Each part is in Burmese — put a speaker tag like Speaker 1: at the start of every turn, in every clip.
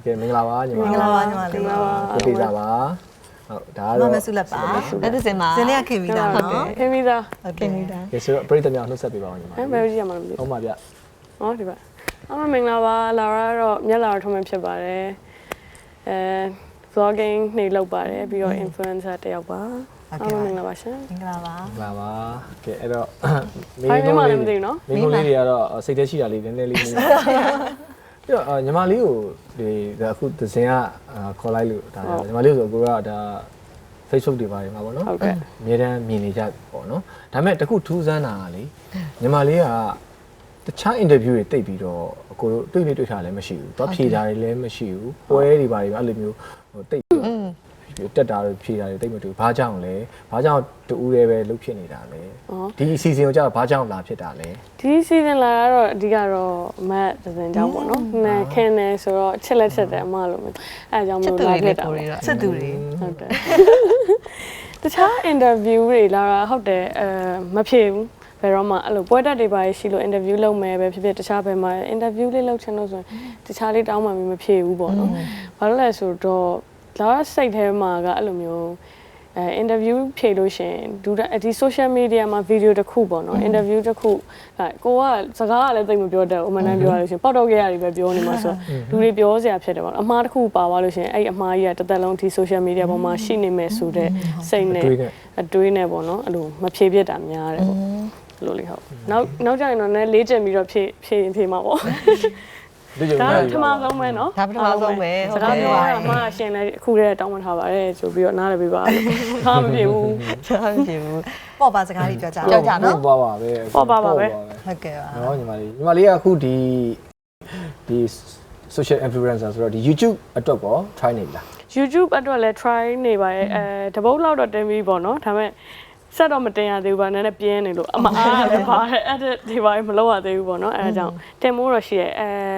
Speaker 1: ကဲမင်္ဂလာပါညီမ
Speaker 2: မင်္ဂလာပါညီမလေး
Speaker 1: ကိုတေးစားပါဟုတ်ဒါကတော့
Speaker 2: မဆုလက်ပါအဲ့ဒါစင်မှာစင်လေးကခင်ပြီးသားနော်
Speaker 3: ခင်ပြီးသား
Speaker 2: ဟုတ်ခင်ပြီးသား
Speaker 1: ကဲဆိုတော့ပရိသတ်များနှုတ်ဆက်ပေးပါဦးညီမ
Speaker 3: ဘယ်လိုကြည့်ရမှာလဲ
Speaker 1: ဟုတ်ပါဗျ
Speaker 3: ဟောဒီပါမင်္ဂလာပါလာရာတော့မျက်လာထုံးမှဖြစ်ပါတယ်vlogging နေလုပ်ပါတယ်ပြီးတော့ influencer တယောက်ပါမင်္ဂလာပါရှင်
Speaker 2: မင်္ဂလာပါ
Speaker 1: မင်္ဂလာပါကဲအဲ့တော့
Speaker 3: မင်းတို့လေးတွေ
Speaker 1: ကတော့စိတ်ထဲရှိတာလေးနည်းနည်းလေးပြီးတော့ညီမလေးကိုဒီအခုသစင်ကခေါ်လိုက်လို့ဒါညီမလေးဆိုကိုကဒါ Facebook တွေပါတယ်မှာပေါ့နော်
Speaker 3: ဟုတ်ကဲ့
Speaker 1: အများတန်းမြင်နေကြပေါ့နော်ဒါပေမဲ့တခုထူးဆန်းတာကလေညီမလေးကတခြား interview တွေတိတ်ပြီးတော့ကိုတို့တွေ့ထားလည်းမရှိဘူး။တော့ဖြေတာတွေလည်းမရှိဘူး။ပွဲတွေပါတွေအဲ့လိုမျိုးဟိုတိတ်ပြီးတက်တာတွေဖြေတာတွေတိတ်မတူ။ဘာကြောင့်လဲ။ဘာကြောင့်တူဦးတွေပဲလှုပ်ဖြစ်နေတာလဲ။ဒီ season ကိုကြာဘာကြောင့်လာဖြစ်တာလဲ
Speaker 3: ။ဒီ season လာတော့အဓိကတော့မတ်ဒဇင်ကြောင့်ပေါ့နော်။နဲ့ခင်နေဆိုတော့ချစ်လက်ချက်တယ်အမလိုမျိုး။အဲအကြောင်းမျိုးလာဖြစ်တာ
Speaker 2: ။ချစ်သူတွေ
Speaker 3: ဟုတ်တယ်။တခြား interview တွေလာတာဟုတ်တယ်မဖြေဘူး။ဘယ်တော့မှအဲ့လိုပွဲတက်တွေပါရှိလို့ interview လုပ်မယ်ပဲဖြစ်ဖြစ်တခြားဘယ်မှာ interview လေးလုပ်ချင်လို့ဆိုရင်တခြားလေးတောင်းမှမဖြေဘူးပေါ့နော်။ဘာလို့လဲဆိုတော့လာစိတ်ထဲမှာကအဲ့လိုမျိုးinterview ဖြေလို့ရှင်ဒီ social media မှာ video တစ်ခုပေါ့နော် interview တစ်ခုကိုကစကားကလည်းသိမပြောတတ်ဘူးအမှန်တမ်းပြောရလို့ရှင်ပေါက်တော့ခဲ့ရတယ်ပဲပြောနေမှာဆိုလူတွေပြောစရာဖြစ်တယ်ပေါ့အမှားတစ်ခုပါသွားလို့ရှင်အဲ့အမှားကြီးကတစ်သက်လုံးဒီ social media ပေါ်မှာရှိနေမယ်ဆိုတဲ့စိတ်နဲ့အတွေးနဲ့ပေါ့နော်အဲ့လိုမဖြေပြတာများတယ်ပေါ့လို့လေဟုတ်နောက်ကြရင်တော့လည်းလေးကျင်ပြီးတော့ဖြေမှာပေါ့ဒါပထမဆုံးပဲเนาะ
Speaker 2: ဒါပထမဆုံးပဲ
Speaker 3: ဟုတ်ကဲ့ပြောရမှာရှင်လည်းအခုတည်းတောင်းပန်ထားပါတယ်ဆိုပြီးတော့နားလည်းပေးပါလို့ဟာမပြေဘူး
Speaker 2: ပေါ့ပါစကားလေးပြောကြနော်
Speaker 1: ပေါ့ပါပဲ
Speaker 3: ပေါ့ပါပဲ
Speaker 2: ဟုတ်ကဲ့ပါ
Speaker 1: เนาะညီမလေးကအခုဒီ social influencer ဆိုတော့ဒီ YouTube အတွက်ပေါ့ try နေပြီလား
Speaker 3: YouTube အတွက်လည်း try နေပါရဲ့တပုတ်လောက်တော့တင်ပြီးပေါ့เนาะဒါပေမဲ့ဆက်တော့မတင်ရသေးဘူးပါနည်းနည်းပြင်းနေလို့အမအားလည်းပါတယ်အဲ့ဒီဘာမလုပ်ရသေးဘူးပေါ့နော်အဲဒါကြောင့်တင်မိုးတော့ရှိရဲ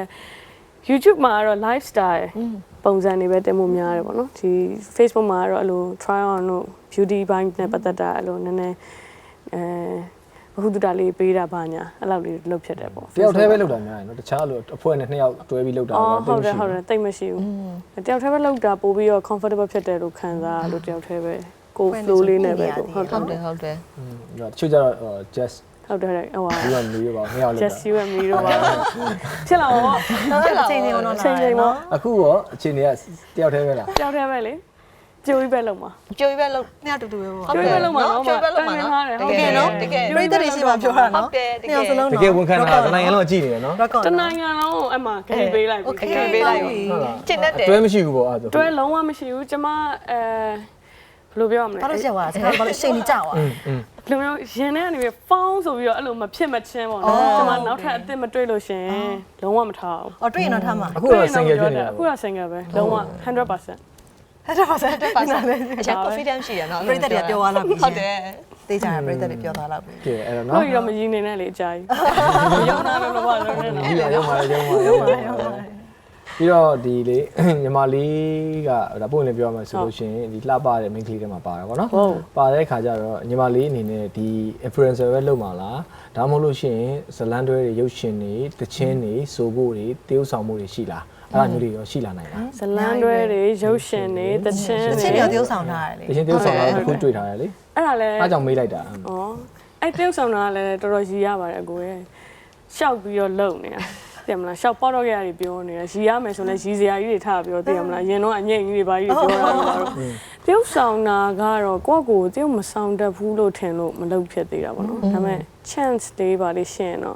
Speaker 3: YouTube မှာကတော့ lifestyle ပုံစံတွေပဲတင်မိုးများတယ်ပေါ့နော်ဒီ Facebook မှာကတော့အဲ့လို try on တို့ beauty ဘိုင်းနဲ့ပတ်သက်တာအဲ့လိုနည်းနည်းအခုတူတာလေးပေးတာပါညာအဲ့လောက်လေးလုပ်ဖြစ်တယ်ပေါ့
Speaker 1: တယောက်တည်းပဲလုပ်တာများတယ်နော်တခြားလို့အဖွဲ့နဲ့နှစ်ယောက်တွဲပြီးလုပ်တာတော့
Speaker 3: ဟုတ်တယ်တိတ်မရှိဘူးတယောက်တည်းပဲလုပ်တာပို့ပြီးတော့ comfortable ဖြစ်တယ်လို့ခံစားလို့တယောက်တည်းပဲကို flow လေးနဲ့ပဲဟုတ်တယ်
Speaker 2: တ
Speaker 1: ချို့ကျတော့ just
Speaker 3: ဟုတ်တယ်ဟိုဟာ
Speaker 1: you and me ရောပါနှစ်ယောက်လောက်
Speaker 3: just you and me ရောပါဖြစ်လာတော့
Speaker 2: ချိန်ချိန်တော့
Speaker 1: အခုရောအချိန်တွေကတယောက်တည်းပဲလား
Speaker 3: တယောက်တည်းပဲလေကြိုးကြီးပဲလုံးမှာ
Speaker 2: ကြိုးကြီးပဲလုံးနှစ်ယောက်တူတူပဲပေါ့
Speaker 3: ကြိုးကြီးပဲလုံးမှာနော်
Speaker 2: ကြိုးကြီးပဲလုံးမှာနော်တကယ်နော်တကယ်ပြိတ္တတွေရှိမှပြောတာနော်
Speaker 1: တကယ်ဝန်ခံတာတနိုင်ငံလုံးကြည့်နေတယ်နော်
Speaker 3: တနိုင်ငံလုံးအဲ့မှာခရီးပေးလိုက်ပြီ
Speaker 2: ခရီးပေးလိုက်ပြီကျင့်တတ်တယ်
Speaker 1: တွဲမရှိဘူးပေါ့အဲ့ဒါ
Speaker 3: တွဲလုံးဝမရှိဘူးကျမဘယ်လိုပြောရမလဲ
Speaker 2: ဘာလို့ရက်သွားလဲဘာလို့ရှိန်နေကြသွား
Speaker 3: ဘယ်လိုမျိုးရင်ထဲကနေပြီးဖောင်းဆိုပြီးတော့အဲ့လိုမဖြစ်မချင်းပေါ့နော်ကျမနောက်ထပ်အစ်စ်မတွေ့လို့ရှင်လုံးဝမထားဘူး
Speaker 2: အော်တွေ့ရင်တော့ထားမှာ
Speaker 1: အခုတော့ single ဖြစ်နေတာ
Speaker 3: အခုတော့ single ပဲလုံးဝ 100%
Speaker 2: အချက် confidence ရှိရနော်ပြိတ္တတွေပြောသွားလောက်ပြီဟုတ်တယ်တေးကြရပြိတ္တတွေပြောသွားလောက်ပြီ
Speaker 1: ကဲအဲ့တော့နော်
Speaker 3: ဟုတ်ရောမရင်းနေနဲ့လေအကြာကြီးရုံနာလို့တော့ဘာလို့လဲနော်
Speaker 1: ရုံပါပြီးတော့ဒီလေညီမလေးကဒါပုံလေးပြောမှဆိုလို့ရှိရင်ဒီလှပတဲ့ main ကလေးထဲမှာပါတာပေါ့နော်ပါတဲ့ခါကျတော့ညီမလေးအနေနဲ့ဒီ influencer ပဲလုပ်မှာလားဒါမှမဟုတ်လို့ရှိရင်ဇလန်တွဲတွေရုပ်ရှင်တွေတချင်းတွေစိုးဖို့တွေတရုပ်ဆောင်မှုတွေရှိလားအဲ့ဒါမျိုးတွေရောရှိလာနိုင်လား
Speaker 3: ဇလန်တွဲတွေရုပ်ရှင်တွေတချင်းတွေ
Speaker 2: တရုပ်ဆောင်ထားရတယ်
Speaker 1: လေတချင်းတရုပ်ဆောင်တာအခုတွေ့ထားရလေ
Speaker 3: အဲ့ဒါလဲ
Speaker 1: အားကြောင့်မေးလိုက်တာ
Speaker 3: ဩအဲ့တရုပ်ဆောင်တာလည်းတော်တော်ရည်ရပါတယ်အကိုရဲ့ရှောက်ပြီးတော့လုံနေတာသိမလားရှောက်ပေါက်တော့ကြရတယ်ပြောနေတာရည်ရမယ်ဆိုလည်းရည်စရာကြီးတွေထားပြောသိရမလားရင်တော့အငိမ့်ကြီးတွေပါကြီးတွေပြောတာတော့တရုပ်ဆောင်တာကတော့ကိုယ့်ကိုတရုပ်မဆောင်တတ်ဘူးလို့ထင်လို့မလုပ်ဖြစ်သေးတာပေါ့နော်ဒါပေမဲ့ chance လေးပါလေးရှင်းတော့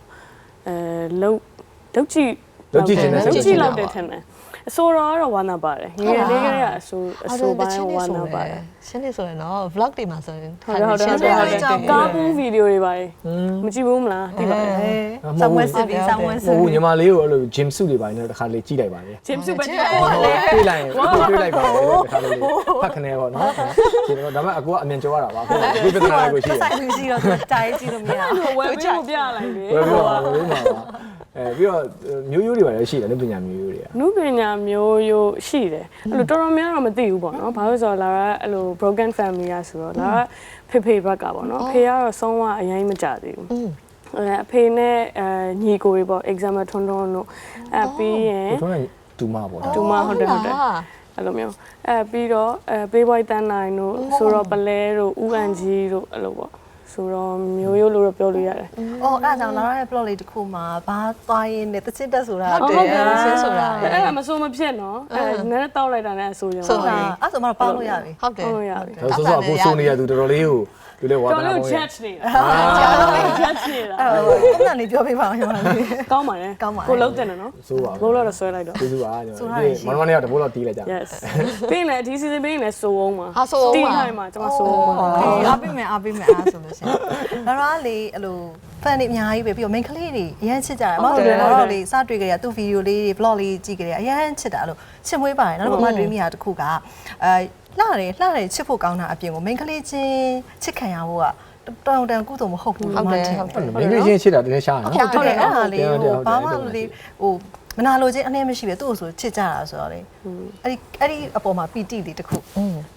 Speaker 3: လုပ်ကြည့်လောက်တယ်ထင်တယ်အဆိုတော့ဝါနာပါတယ်ငယ်လေးကလေးကအဆိုပိုင်းဝါနာပါတယ်
Speaker 2: ရှင်းနေဆိုရင်တော့ vlog တွေမှာဆိုရင်
Speaker 3: ဟုတ်ကားပူးဗီဒီယိုတွေပါတယ်မကြည့်ဘူးမလားသိပါတယ်
Speaker 2: ဆောင်းဝဲစစ်ပြီးဆောင်းဝဲစစ်
Speaker 1: ဟိုညီမလေးကိုအဲ့လို gym suit တွေပါတယ်တစ်ခါလေကြည့်လိုက်ပါလေ
Speaker 3: gym suit ပဲ
Speaker 1: တွေ့လိုက်ပါလေတစ်ခါလေဖတ်ခနဲပေါ့နော်ဒီတော့ဒါမှအကူကအမြင်ကြောရတာပါအခုဒီပြဿနာလေးကိုရှိတယ်
Speaker 2: ဆိုင်ပြီးရှိတော့တားရေးကြည့်လို့မရဘူး
Speaker 3: ဝယ်ပြီးပြလိုက်လေ
Speaker 1: ဝယ်ပြီးပါဝယ်မှာပါပြီးတော့မျိုးရိုးတွေပါလည်းရှိတယ်နုပညာမျိုးရိုးတွေက
Speaker 3: နုပညာမျိုးရိုးရှိတယ်အဲ့လိုတော်တော်များတော့မသိဘူးပေါ့နော်ဘာလို့ဆိုတော့လာကအဲ့လို broken family อ่ะဆိုတော့လာဖေဘက်ကပေါ့နော်ဖေကတော့ဆုံးသွားအရင်မကြသေးဘူးအဖေနဲ့ညီကိုတွေပေါ့ exam ထွန်းထွန်းတို့ပြီးရင်
Speaker 1: တူမပေါ့နော်
Speaker 3: တူမဟုတ်တယ်အဲ့လိုမျိုးပြီးတော့ပေးဘွိုက်တန်းနိုင်တို့ဆိုတော့ပလဲတို့ဥအန်ကြီးတို့အဲ့လိုပေါ့ဆိုတော့မျိုးရိုးလို့ပြောလို့ရတယ်
Speaker 2: ။အော်အဲ့ဒါကြောင့်လာတဲ့ plot လေးတစ်ခုမှာဘာသွားရင်းနဲ့တချစ်တက်ဆိုတာဟုတ်တယ်ဆင်းဆိုတာ
Speaker 3: အဲ့ဒါမဆိုးမဖြစ်နော်နည်းနည်းတောက်လိုက်တာနဲ့အဆိုးရော
Speaker 2: ဆိုတာအဲ့ဆိုမှတော့ပေါက်လို့ရပြီ
Speaker 3: ဟုတ်တယ်ဟုတ်ရပြီ
Speaker 1: ဆိုတော့အခုဆိုနေရသူတော်တော်လေးကိုသူလည်းဝါသနာ
Speaker 3: ပေါ့ judge နေတာ judge နေတာ
Speaker 2: အဲ့ဒါနေပြောပြပါဦးညီမလေး
Speaker 3: ကောင်းပါတယ်ကိုလုံးတင်တယ်နော်
Speaker 1: ဆိုပါ
Speaker 3: ဘိုးတော့ဆွဲလိုက်တော့
Speaker 1: ကျေးဇူးပါညီမမနဲ့တော့တဘိုးတော့တီးလိုက်ကြ
Speaker 3: yes ပြီးရင်ဒီ season ပြီးရင်ဆိုအောင်ပါတီးထိုင်မှာကျွန်မဆိုအောင်ပါ
Speaker 2: အားပေးမယ်အားဆိုလို့ရှိရင်လာလေအဲ့လို fan တွေအများကြီးပဲပြီးတော့ main ကလေးတွေအရန်ချစ်ကြတယ်မဟုတ်တယ်တော့လေစတွေ့ကြရသူ့ video လေးတွေ vlog လေးကြည့်ကြရအရန်ချစ်တာအဲ့လိုချစ်မွေးပါတယ်နောက်တော့မှတွေးမိတာတစ်ခုကလှတယ်ချစ်ဖို့ကောင်းတာအပြင်ကို main ကလေးချင်းချစ်ခံရဖို့ကတောင်တန်ကုသိုလ်မဟုတ်ဘူးလို့မှထင်တယ်
Speaker 1: မင်းကြီးချင်းချစ်တာတကယ်ရှားနော်
Speaker 2: ဟုတ်တယ်အဲ့ဒါလေးဘာမှလေဟိုမနာလိုချင်းအနည်းမရှိပဲသူ့ကိုဆိုချစ်ကြတာဆိုတော့လေအဲ့ဒီအပေါ်မှာပီတိလေးတစ်ခု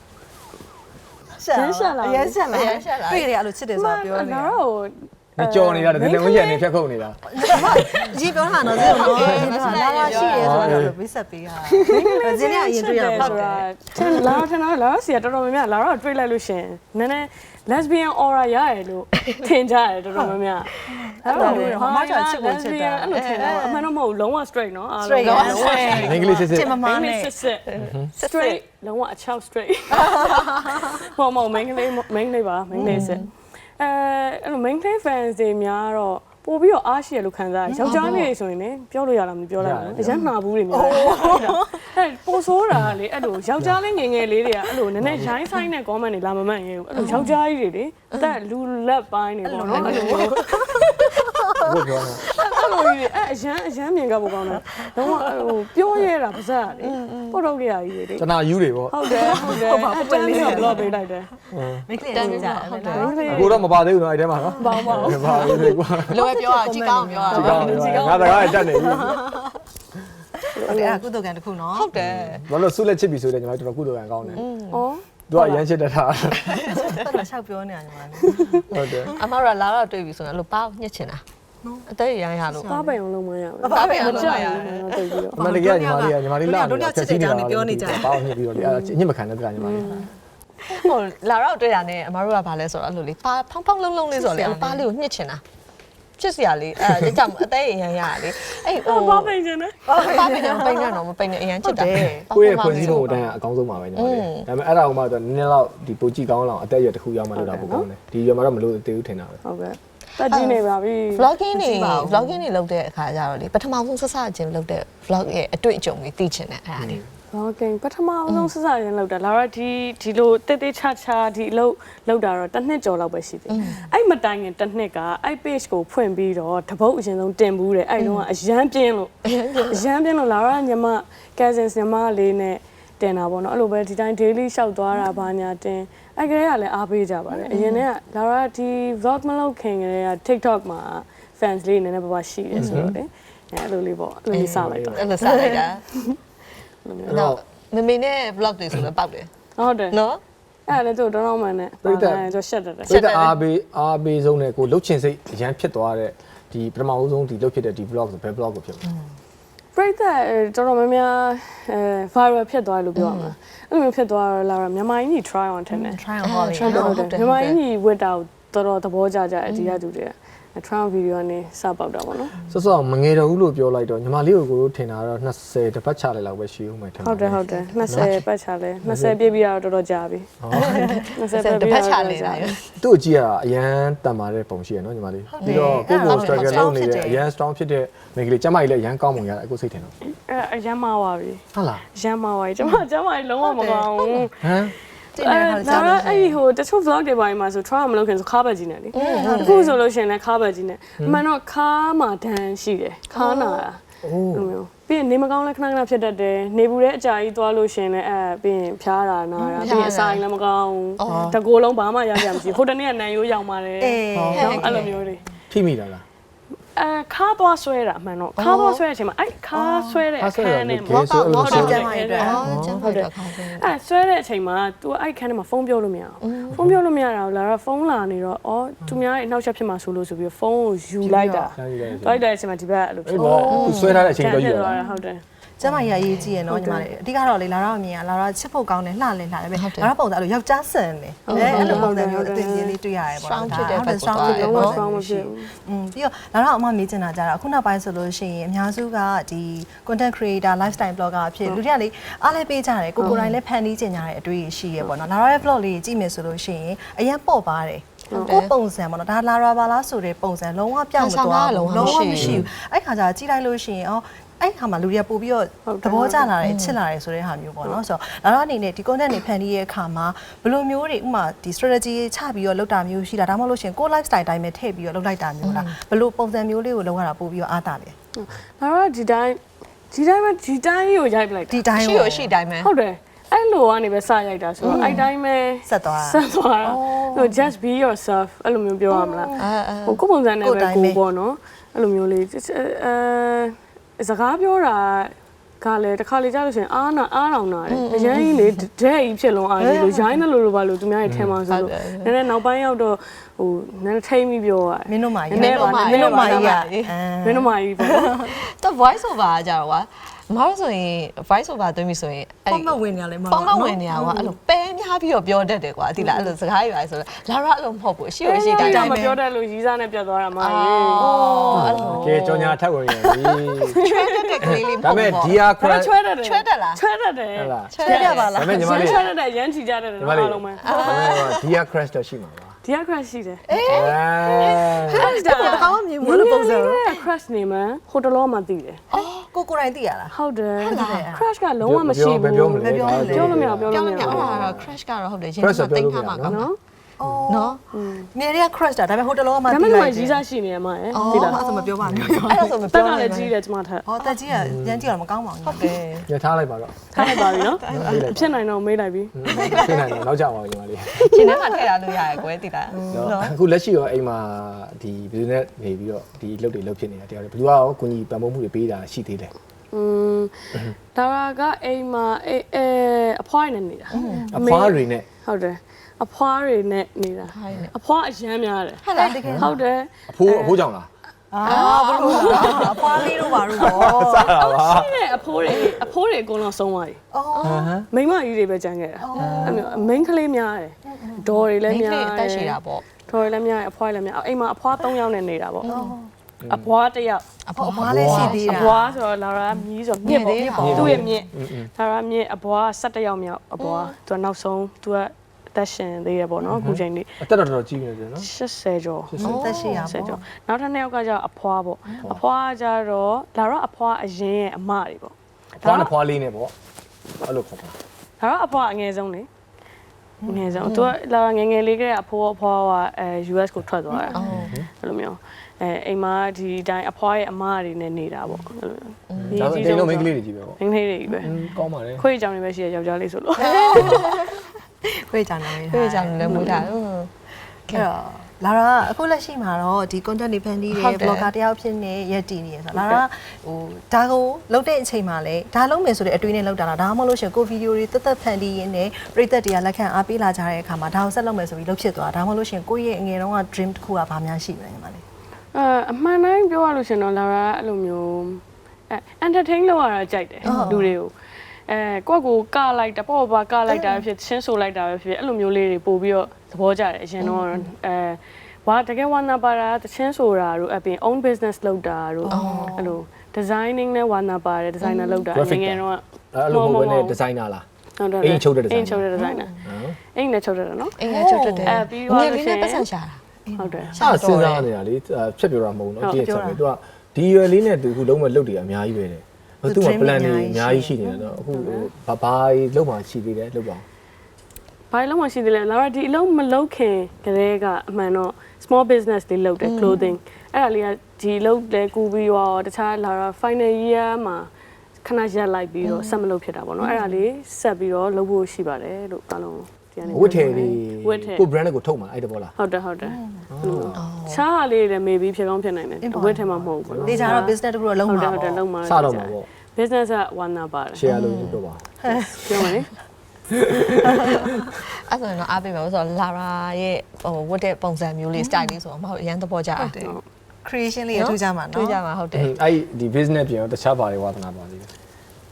Speaker 3: ရှာလာ
Speaker 2: ရမ်းရှာလာတွေ့ရတယ်အဲ့လိုချစ်တယ်ဆိုတာပြောနေ
Speaker 3: ငါတို့
Speaker 1: မကြော်နေတာတကယ်ဝင်းရနေဖြတ်ခုတ်နေတာ
Speaker 2: ကြီးပြောတာနော်ဇင်းတော့လာလာရှိရဲဆိုတော့ဘေးဆက်ပေးတာဇင်းနဲ့အရင်တွေ့ရပါ
Speaker 3: ဆိုတာလာစီတော်တော်များများလာတော့တွေ့လိုက်လို့ရှင်နည်းနည်း lesbian aura ရရလို့ထင်ကြရတယ်တော်တော်များများ
Speaker 2: အဲ့လိုမျိုးဟာမချချစ်ကိုချစ်တာ
Speaker 3: အဲ့လိုထင်တာအမှန်တော့မဟုတ်လုံးဝ straight နော်
Speaker 2: အားလုံးလုံးဝ
Speaker 1: အင်္ဂလိပ်စစ်စစ်
Speaker 2: မမနဲ့
Speaker 3: straight လုံးဝအချောက် straight မဟုတ် main လေးပါ main လေးစစ်အဲ့လို main play fans တွေများတော့ပို့ပြီးတော့အားရှိရလို့ခံစားရယောက်ျားလေးဆိုရင်လည်းပြောလို့ရလားမပြောလိုက်ဘူးအရင်နှာဘူးတွေများအဲ့ပို့ဆိုးတာလေအဲ့လိုယောက်ျားလေးငယ်ငယ်လေးတွေကအဲ့လိုနည်းနည်းရိုင်းဆိုင်တဲ့ comment တွေလာမမှန်ရင်အဲ့လိုယောက်ျားကြီးတွေလေအသက်လူလက်ပိုင်းတွေပေါ့နော်အဲ့လို
Speaker 1: ဘုပြောတာ
Speaker 3: အဲ့လိုကြီးအရန်မြင်ကြဖို့ကောင်းတယ်တော့ဟိုပြောရတာပါစက်လေပုတ်တော့ကြရကြီးလေ
Speaker 1: ကျွန်တော်ယူတွေပေါ့
Speaker 3: ဟုတ်တယ်အတန်းလေးက block ပေးလိုက်တယ်
Speaker 2: မိတ်ကလေးတန်းကြတယ်
Speaker 1: အခုတော့မပါသေးဘူးနော်အဲ့ထဲမှာနော်
Speaker 3: ပါပါ
Speaker 1: မပါသေးဘူးကွာ
Speaker 2: လိုပဲပြောအောင်ကြည်ကောင်းပြောအောင်
Speaker 1: ငါတကားတက်နေပြီ
Speaker 2: အဲ့ကုသိုလ်ကံတစ်ခုနော်
Speaker 3: ဟုတ်တယ်
Speaker 1: ဘာလို့ဆုလက်ချစ်ပြီဆိုတော့ညီမတို့ကုသိုလ်ကံကောင်းတယ်
Speaker 3: ဩ
Speaker 1: သူကရမ်းချစ်တတ်တာ
Speaker 2: တော်တော်ရှောက်ပြောနေတာညီမလေး
Speaker 1: ဟုတ်တယ်
Speaker 2: အမရလာတော့တွေ့ပြီဆိုရင်အဲ့လိုပေါက်ညှစ်ချင်တာအသက်ရရလို့
Speaker 3: ပါပင်အောင်လုံးမရဘူး
Speaker 2: ပါပင်အောင်လုံးမရ
Speaker 3: ဘူး
Speaker 1: အမတကယ်ညီမလေးလာတော့ချက်စီနေတာပြောနေကြတယ်ပေါက်ညှစ်ပြီးတော့လေအဲ့ညှစ်မခံတဲ့တကညီမလေး
Speaker 2: ဟိုလာတော့တွေ့တာနဲ့အမတို့ကဘာလဲဆိုတော့အဲ့လိုလေပါဖောင်းဖောင်းလုံးလုံးလေးဆိုတော့လေအဲ့ပါလေးကိုညှစ်ချင်တာချစ်စရာလေးအဲကြောင့်အသေးအရန်ရလေအဲ့ဟို
Speaker 3: ပါပိန်နေတယ်
Speaker 2: ပါပိန်နေပိန်နေတော့မပိန်နေအရန်ချစ်တာ
Speaker 1: ကိုယ့်ရဲ့ဖွဲ့စည်းပုံအတိုင်းအကောင်းဆုံးပါပဲညီမလေးဒါပေမဲ့အဲ့ဒါကမှတော့နည်းနည်းတော့ဒီပိုကြည့်ကောင်းလောက်အသက်အရွယ်တစ်ခုရောက်မှလို့တော့ပိုကောင်းတယ်ဒီရွယ်မှာတော့မလို့သေးဘူးထင်တာပဲ
Speaker 3: ဟုတ်ကဲ့တက်ကြည့်နေပါပြီ
Speaker 2: vlogging တွေလုပ်တဲ့အခါကျတော့လေပထမဆုံးဆက်စချင်းလုပ်တဲ့ vlog ရဲ့အတွေ့အကြုံတွေသိချင်တယ်အဲ့ဒါလေး
Speaker 3: Okay ပထမဆုံးစစရင်လောက်တာလာတော့ဒီလိုတေးသေးချာချာဒီအလုပ်လောက်တာတော့တစ်နှစ်ကျော်လောက်ပဲရှိသေးတယ်အဲ့မတိုင်ခင်တစ်နှစ်ကအဲ့ page ကိုဖွင့်ပြီးတော့တပုတ်အရင်ဆုံးတင်ဘူးတယ်အဲ့တော့အရန်ပြင်းလို့လာတော့ညီမ cousins ညီမလေးနဲ့တင်တာပေါ့နော်အဲ့လိုပဲဒီတိုင်း daily ရှောက်သွားတာဘာညာတင်အဲ့ကလေးကလည်းအားပေးကြပါတယ်အရင်ကလာတော့ဒီ vlog မလုပ်ခင်ကလေးက TikTok မှာ fans လေးနည်းနည်းပါးပါရှိတယ်ဆိုတော့လေအဲ့လိုလေးပေါ့အဲ့လိုစလိုက်တာ
Speaker 2: အဲ့လိုစလိုက်တာနော်မမေနဲ့ vlog တွေဆိုတော့ပေါက်တယ်
Speaker 3: ဟုတ်တယ်
Speaker 2: နော်
Speaker 3: အဲ့လည်းတို့တော့မှနဲ့ကျွန်တော်ရှက်တယ်
Speaker 1: ပြတ်အားပေးဆုံးနဲ့ကိုလှုပ်ချင်စိတ်အရန်ဖြစ်သွားတဲ့ဒီပထမဦးဆုံးဒီလှုပ်ဖြစ်တဲ့ဒီ vlog ဆိုဘယ် vlog ကိုဖြစ်မှာ
Speaker 3: ပြိတ္တတော်တော်များများviral ဖြစ်သွားလို့ပြောရမှာအဲ့လိုဖြစ်သွားတော့လာတော့မြန်မာကြီး try on ထင်တယ်
Speaker 2: try on ဟုတ်
Speaker 3: တယ်မြန်မာကြီးဝတ်တာတော်တော်သဘောကျကြအဒီကသူတွေtrial video နဲ့စပေါက်တာပေါ့နော်
Speaker 1: စောမငယ်တော့ဘူးလို့ပြောလိုက်တော့ညီမလေးကိုကိုတို့ထင်တာတော့20တပတ်ချလိုက်လောက်ပဲရှိဦးမယ်ထင်
Speaker 3: ဟုတ်တယ်20ပတ်ချလဲ20ပြည့်ပြီးတော့တော်တော်ကြာပြီ
Speaker 2: 20တပတ်ချနေတာ
Speaker 1: သူ့အကြည့်ရအရန်တန်ပါတဲ့ပုံရှိရနော်ညီမလေးပြီးတော့ကိုကို struggle လုပ်နေတဲ့အရန် strong ဖြစ်တဲ့မိန်းကလေးကျမကြီးလည်းအရန်ကောင်းပုံရအခုစိတ်ထင်တော့
Speaker 3: အရန်မှားပါပြီ
Speaker 1: ဟုတ်လား
Speaker 3: ရန်မှားပါပြီကျမကြီးလုံးဝမကောင်းဘူး
Speaker 2: ဟမ်
Speaker 3: အဲ့ဒီဟိုတချို့ vlog တွေပိုင်းမှာဆို trial မလုပ်ခင်ဆိုခါဘက်ကြီးနဲ့လေအခုဆိုလို့ရှိရင်လည်းခါဘက်ကြီးနဲ့အမှန်တော့ခါမှာဒဏ်ရှိတယ်ခါနာတာလိုမျိုးပြီးရင်နေမကောင်းလဲခဏဖြစ်တတ်တယ်နေဘူးတဲ့အကြာကြီးသွားလို့ရှိရင်လည်းပြီးရင်ဖျားတာနာတာပြီးရင်အစာရင်လည်းမကောင်းတကိုယ်လုံးဘာမှရကြမရှိဟိုတနေ့ကနန်ရိုးရောက်ပါတယ်အဲ့လိုမျိုးတွေ
Speaker 1: ထိမိတာလား
Speaker 3: ခါသွားဆွဲတာအမှန်တော့ခါသွားဆွဲတဲ့အချိန်မှာအဲ့ခါဆွဲတဲ့အခန်းနဲ့
Speaker 2: မောက်တော့ကျမ်းမာရေးအတွက်ကျမ်းမာရေးအတွက်ခါဆွဲ
Speaker 3: အဲ့ဆွဲတဲ့အချိန်မှာ तू အဲ့ခန်းထဲမှာဖုန်းပြောလို့မရအောင်ဖုန်းပြောလို့မရတာကိုလာတော့ဖုန်းလာနေတော့အော်သူများရဲ့အနောက်ချက်ဖြစ်မှာဆိုလို့ဆိုပြီးဖုန်းကိုယူလိုက်တာလိုက်တဲ့အချိန်မှာဒီဘက်အဲ့လို
Speaker 1: ဖြစ်သွားသူဆွဲထားတဲ့အချိန်တော့ယူ
Speaker 3: ရတာဟုတ်တယ်
Speaker 2: ကျမကြီးအရေးကြီးရနော်ညီမလေးအဓိကတော့လေလာတော့အမြင်ကလာတော့ချစ်ဖို့ကောင်းတယ်လှလဲလှတယ်ပဲလာတော့ပုံစံအဲ့လိုယောက်ျားဆန်တယ်အဲ့လိုပုံစံမျိုးအတင်ကြီးလေးတွေ့ရတယ်ပေါ့
Speaker 4: strong ဖြစ်တယ်ပေါ့
Speaker 2: strong ဖြစ်တယ်ပေါ့
Speaker 3: strong မဖြစ်ဘူး
Speaker 2: ပြီးတော့လာတော့အမမေးချင်တာကြတာအခုနောက်ပိုင်းဆိုလို့ရှိရင်အများစုကဒီ content creator lifestyle blogger အဖြစ်လူတွေကလေအားလဲပေးကြတယ်ကိုကိုတိုင်းလည်းဖန်တီးကျင်ကြတဲ့အတွေ့အရှိရပေါ့နော်လာတော့ရဲ့ vlog လေးကြည့်မယ်ဆိုလို့ရှိရင်အရင်ပေါ့ပါတယ်ကိုပုံစံပေါ့နော်ဒါလာရာပါလားဆိုတဲ့ပုံစံလုံးဝပြောင်းမသွားလုံးဝမရှိဘူးအဲ့ခါကျကြည့်လိုက်လို့ရှိရင်အဲ့ခါမှာလူတွေကပို့ပြီးတော့သဘောကျလာတယ်ချစ်လာတယ်ဆိုတဲ့ဟာမျိုးပေါ့နော်ဆိုတော့လာတော့အနေနဲ့ဒီ content တွေဖန်တီးရဲ့အခါမှာဘယ်လိုမျိုးတွေဥမာဒီ strategy ချပြီးတော့လုပ်တာမျိုးရှိတာဒါမှမဟုတ်လို့ရှိရင်ကို lifestyle တိုင်းပဲထည့်ပြီးတော့လုပ်လိုက်တာမျိုးလားဘယ်လိုပုံစံမျိုးလေးကိုလုပ်ရတာပို့ပြီးတော့အားတာလဲ
Speaker 3: ဒါတော့ဒီတိုင်းကိုရိုက်ပလိုက်
Speaker 2: ဒီတိုင်း
Speaker 4: ရှိရရှိတိုင်းပဲ
Speaker 3: ဟုတ်တယ်အဲ့လိုကနေပဲစရိုက်တာဆိုတော့အဲ့တိုင်းပဲ
Speaker 2: ဆက်သွား
Speaker 3: ဟို just be yourself အဲ့လိုမျိုးပြောရမလားဟိုကိုပုံစံနဲ့ပဲကိုပေါ့နော်အဲ့လိုမျိုးလေးစကားပြောတာကလည်းတစ်ခါလေကြားလို့ရှိရင်အားတောင်နာတယ်အရင်ကြီးလေဒဲကြီးဖြစ်လုံးအားကြီးလို့ရိုင်းတယ်လို့ပါလို့သူများရဲ့ထဲမှာဆိုလို့နည်းနည်းနောက်ပိုင်းရောက်တော့ဟိုနည်းနည်းထိမ့်ပြီးပြောရတယ်
Speaker 2: မင်းတို့မာကြီးပေါ့
Speaker 4: တော့ voice over ကြတော့ကွာမဟုတ်ဆိုရင် voice over သွင်းပြီဆိုရင်အဲ့
Speaker 2: ပုံမဝင်နေရလဲမ
Speaker 4: ပုံမဝင်နေရကွာအဲ့လိုပဲများပြီးတော့ပြောတတ်တယ်ကွာဒီလားအဲ့လိုစကားရွာဆိုတော့လာရအဲ့လိုမဟုတ်ဘူးရှိရရှိတိုင်း
Speaker 3: မပြောတတ်လို့ရီးစားနဲ့ပြတ်သွားတာမကြီး
Speaker 4: အဲ့လို
Speaker 1: ကဲကြောင်ညာထပ်ဝင်ရပြီ
Speaker 4: ချွဲတတ်တဲ့ကလေးလေးမ
Speaker 1: ဒါ
Speaker 4: ဟုတ်
Speaker 1: ပေမဲ့
Speaker 4: ဘူး
Speaker 1: ဒီဟာ
Speaker 3: ချွဲတတ်တယ်
Speaker 4: ချွဲတတ်လား
Speaker 3: ချွဲတတ်တယ်
Speaker 1: ဟုတ်လား
Speaker 2: ချွဲရပါလား
Speaker 1: ဒါပေမဲ့ညီမလေး
Speaker 3: ချွဲတတ်တယ်ရမ်းချီကြတယ်
Speaker 1: ညီမလေး
Speaker 3: အားလုံးပဲ
Speaker 1: ဒီဟာ crash တော့ရှိမှာပါ
Speaker 3: ဒီက crush ရှိတယ်
Speaker 2: အဲ့ဒါတခါမှမြင်ဘူးလို့ပုံစံ
Speaker 3: crush နေမှာဟိုတလောမှသိတယ်
Speaker 2: ကိုကိုတိုင်းသိရလား
Speaker 3: ဟုတ်တယ် crush ကလုံးဝမရှိဘူး
Speaker 1: ပြောမလဲ
Speaker 3: ပြောလို့မရပြော
Speaker 4: ပြော
Speaker 3: လို့မ
Speaker 4: လို့
Speaker 3: ရ
Speaker 4: မရအဲ့ဒါတော့ crash ကတော့ဟုတ်တယ်ရင်ထဲမှာတိတ်ထားမှာကောင်းတာ
Speaker 3: နော်
Speaker 4: နော်
Speaker 2: နေရ crush တာဒါပေမဲ့ဟိုတလောမှ
Speaker 3: ဒါ
Speaker 2: သိ
Speaker 3: ပေ
Speaker 2: လို
Speaker 3: မဲ့
Speaker 2: က်
Speaker 3: ရီးစားရှိနေရမှာရယ်
Speaker 2: ဒီ
Speaker 3: ဒီ
Speaker 2: လား
Speaker 3: လား
Speaker 2: အဲ့ဒါမပြောပါနဲ့
Speaker 4: အဲ့ဒါဆိုမ
Speaker 3: တ
Speaker 4: ပြော
Speaker 3: က်က
Speaker 4: နိုင်
Speaker 3: လည်း
Speaker 4: ဘူး
Speaker 3: ကြီးတယ်ကျမထက်
Speaker 2: ဟောတက်ကြီးကရမ်းကြည့်တော့မကောင်းပါဘူး
Speaker 4: ဟုတ်တယ်
Speaker 1: ညထားလိုက်ပါတော့
Speaker 3: ထားလိုက်ပါပြီနော်ဖြစ်နိုင်တော့မေးလိုက်ပြီ
Speaker 1: ဖြစ်နိုင်တယ်နောက်ကြပါဦးညီမလေး
Speaker 4: ရှင်ထဲမှာထည့်ထားလို့ရတယ်ကွယ်တိလား
Speaker 1: နော်အခုလက်ရှိရောအိမ်မှာဒီ business နေပြီးတော့ဒီအလုပ်တွေလုပ်ဖြစ်နေတာတရားတယ်ဘယ်သူကရောကိုကြီးပံ့ပိုးမှုတွေပေးတာရှိသေးတယ်
Speaker 3: ဒါကအိမ်မှာအဖွားနေနေတာ
Speaker 1: အဖွားတွေနဲ့
Speaker 3: ဟုတ်တယ်အဖွားတွေနဲ့နေတာအဖွားအရမ်းများတယ်
Speaker 4: ဟုတ်လား
Speaker 3: ဟုတ်တယ်
Speaker 1: အဖိုးကြောင့်လား
Speaker 2: ဘလို့အဖွားလေးတို့ပါလို့ပေါ့
Speaker 1: စတာပါ
Speaker 3: ရှိတဲ့အဖိုးတွေအကုန်လုံးဆုံးသွားပြီ
Speaker 2: အော်
Speaker 3: မိန်းမကြီးတွေပဲကြံခဲ့တာအဲ့မျိုးမိန်းကလေးများတယ်ဒေါ်တွေလည်းများ
Speaker 4: အသက်ရှိတာပေါ့
Speaker 3: ဒေါ်တွေလည်းများတယ်အဖွားတွေလည်းများအိမ်မှာအဖွား3ယောက်နဲ့နေတာပေါ့အဖွား1ယောက်
Speaker 4: အဖေ
Speaker 2: အဖွားလေးရှိသေး
Speaker 3: အ
Speaker 2: တာ
Speaker 3: ဖွားဆိုတော့လာရာမြည်ဆိုမြစ်ပေါ့သူ့ရဲ့မြစ်လာရာမြစ်အဖွား17ယောက်မြောက်အဖွားသူကနောက်ဆုံးသူကအသက်ရှင်သေးရပေါ့နော်အခုချိန်လေး
Speaker 1: အသက်တော်ကြီးနေတယ်နော်
Speaker 3: 80ကျော်
Speaker 2: သက်ရှိရ
Speaker 3: ဆက်
Speaker 2: ပေါ့
Speaker 3: ကြောနောက်ထပ်2ယောက်ကကျတော့အဖွားပေါ့အဖွားကျတော့လာတော့အဖွားအရင်ရဲ့အမတွေပေါ့
Speaker 1: ဖွားနဲ့ဖွားလေးနဲ့ပေါ့အဲ့လိုခေါ်ပါ
Speaker 3: ဒါတော့အဖွားအငယ်ဆုံးလေငယ်ဆုံးသူကလာငယ်ငယ်လေးကလေးအဖိုးအဖွားကUS ကိုထွက်သွားတာအဲ့လိုမျိုးအိမ်မှာဒီတိုင်းအဖွားရဲ့အမတွေနဲ့နေတာပေါ့အဲ့လို
Speaker 1: ဒါပေမဲ့တိတ်လုံးမိန်းကလေးတွေကြီးပဲပေါ့
Speaker 3: မိန်းကလေးတွေကြီးပဲ
Speaker 1: ကောင်းပါလေ
Speaker 3: ခွေးကြောင်တွေပဲရှိရယောက်ျားလေးဆိုလို့
Speaker 2: ခွေးကြနေတယ်
Speaker 4: ပြေးကြတယ်မွေးတာ
Speaker 2: အဲ့တော့လာရာအခုလက်ရှိမှာတော့ဒီ content တွေဖန်တီးတယ် blogger တယောက်ဖြစ်နေရက်တည်နေရဆိုတော့လာရာဟိုဒါကိုလုပ်တဲ့အချိန်မှာလည်းဒါလုပ်မယ်ဆိုတဲ့အတွေးနဲ့လုပ်တာလားဒါမှမဟုတ်လို့ရှင်ကိုဗီဒီယိုတွေတက်တက်ဖန်တီးရင်းနဲ့ပရိသတ်တွေကလက်ခံအားပေးလာကြတဲ့အခါမှာဒါကိုဆက်လုပ်မယ်ဆိုပြီးလုပ်ဖြစ်သွားတာဒါမှမဟုတ်လို့ရှင်ကိုယ့်ရဲ့အငယ်တုန်းက dream တစ်ခုကဘာများရှိမလဲညီမလေး
Speaker 3: အမှန်တိုင်းပြောရလို့ရှင်တော့လာရာအဲ့လိုမျိုးentertain လုပ်ရတာကြိုက်တယ်လူတွေကိုကိုယ့်ကိုကလိုက်တာပေါ့ပါကလိုက်တာဖြစ်ချင်းဆိုလိုက်တာပဲဖြစ်အဲ့လိုမျိုးလေးတွေပို့ပြီးတော့သဘောကျတယ်အရင်တော့ဝါတကယ်ဝါနာပါတာတချင်းဆိုတာတို့အပြင် own business လုပ်တာတို့အဲ့လို designing နဲ့ဝါနာပါတယ် designer လုပ်တာငယ်တော့
Speaker 1: အဲ့လိုပုံနဲ့ဒီဇိုင်နာလား
Speaker 3: ဟုတ်တယ်
Speaker 1: အိမ်ချုပ်တဲ့
Speaker 3: အိမ်ချုပ်တဲ့ designer အိမ်နဲ့ချုပ်တဲ့နော်
Speaker 4: အင်းငယ်ချုပ်တတ်တယ်
Speaker 3: ပြီး
Speaker 4: င
Speaker 3: တော့
Speaker 4: ယ်လေးနဲ့ပတ်စံရှာတာ
Speaker 3: ဟုတ်တယ်
Speaker 1: စစဉ်းစားနေတာလေဖြတ်ပြောတာမဟုတ်ဘူးเนาะကြည့်ချက်ပဲသူကဒီရွယ်လေးနဲ့သူအခုလုံးမဲ့လုပ်တယ်အများကြီးပဲတယ်သူက plan တွေအများကြီးရှိနေတယ်เนาะအခုဘာလုံးမှရှိသေးတယ်လုပ်ပါ
Speaker 3: ဘာလို့မှရှိသေးလဲလာတော့ဒီအလုံးမလုပ်ခင်ကလေးကအမှန်တော့ small business တွေလုပ်တယ် clothing အဲ့ဒါလေးကဒီလုပ်တယ်ကူပြီးတော့တခြားလာတော့ final year မှာခဏရက်လိုက်ပြီးတော့ဆက်မလုပ်ဖြစ်တာပေါ့နော်အဲ့ဒါလေးဆက်ပြီးတော့လုပ်ဖို့ရှိပါတယ်လို့အားလုံးဒီကနေ
Speaker 1: ဝတ်ထည်တွေ
Speaker 3: ဝတ်ထည်
Speaker 1: ကို brand ကိုထုတ်မှာအဲ့တဘောလား
Speaker 3: ဟုတ်တယ်ချားလေးလည်း maybe ဖြစ်ကောင်းဖြစ်နိုင်တယ်ဝတ်ထည်မှာမဟုတ်ဘူးပေါ့နော်
Speaker 2: ဒီကြတော့ business တစ်ခုတော့လုံးမှာ
Speaker 3: ဟုတ်တယ်လုံးမှာ
Speaker 1: စတော့မှာပေါ့
Speaker 3: business ကဝါနာပါတယ်
Speaker 1: share လုပ်ပြောပါ
Speaker 3: ပြောမယ်လေ
Speaker 4: အဲ့ဆိုရင်တော့အားပေးမယ်ဆိုတော့လာရာရဲ့ဟိုဝတ်တဲ့ပုံစံမျိုးလေး style လေးဆိုတော့မဟုတ်အရင်သဘောကျတယ်
Speaker 2: creation လေးရထူးကြမှာနော်
Speaker 4: တွေ့ကြမှာဟုတ်တယ်
Speaker 1: အဲ့ဒီ business ပြင်တော့တခြားဘာတွေဝါသနာပါသေးတယ်
Speaker 2: စ